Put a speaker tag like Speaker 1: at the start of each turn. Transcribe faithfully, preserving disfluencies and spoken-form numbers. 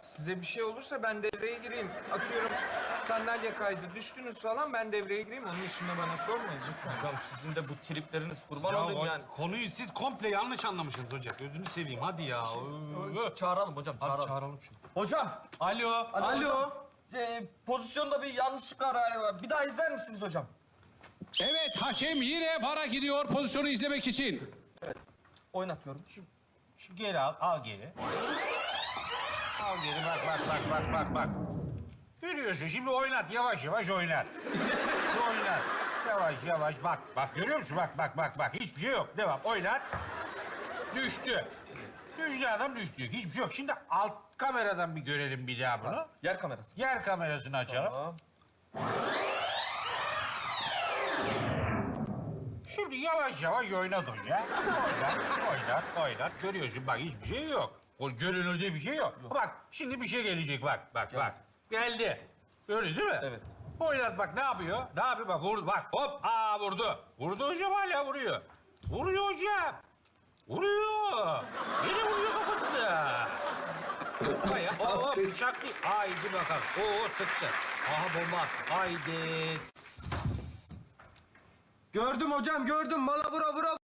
Speaker 1: size bir şey olursa ben devreye gireyim. Atıyorum sandalye kaydı, düştünüz falan ben devreye gireyim. Onun dışında bana sormayın lütfen.
Speaker 2: Hocam sizin de bu tripleriniz kurban
Speaker 3: Ya
Speaker 2: olayım
Speaker 3: o-
Speaker 2: yani.
Speaker 3: konuyu siz komple yanlış anlamışsınız hocam. Gözünü seveyim hadi ya. Ö-
Speaker 2: Çağıralım hocam,
Speaker 3: Hadi
Speaker 2: çağıralım.
Speaker 3: çağıralım şunu.
Speaker 2: Hocam.
Speaker 3: Alo.
Speaker 2: Alo. Ee, pozisyonda bir yanlışlık var galiba. Bir daha izler misiniz hocam?
Speaker 4: Evet, hakem yine VAR'a gidiyor pozisyonu izlemek için.
Speaker 2: Oynatıyorum.
Speaker 5: Şu geri al, al geri. Al geri, bak, bak, bak, bak, bak, bak. Görüyorsun, şimdi oynat, yavaş yavaş oynat. oynat, yavaş yavaş, bak, bak, görüyor musun? Bak, bak, bak, bak, hiçbir şey yok. Devam, oynat. Düştü. Düştü adam, düştü. Hiçbir şey yok. Şimdi alt kameradan bir görelim bir daha bunu.
Speaker 2: Yer kamerası.
Speaker 5: Yer kamerasını açalım.
Speaker 2: Tamam.
Speaker 5: Şimdi yavaş yavaş oynat onu ya. Oynat, oynat, oynat. Görüyorsun bak hiçbir şey yok. O görünürde bir şey yok. Bak şimdi bir şey gelecek bak, bak, bak. Geldi. Öyle değil mi?
Speaker 2: Evet.
Speaker 5: Oynat bak ne yapıyor? Ne yapıyor bak vurdu bak hop aa vurdu. Vurdu hocam hala vuruyor. Vuruyor hocam. Vuruyor. Yine vuruyor kafasına. Bayağı hop hop bıçak değil. Haydi bakalım. Oo sıktı. Aha bomba attı. Haydi.
Speaker 1: Gördüm hocam gördüm. Bana vura vura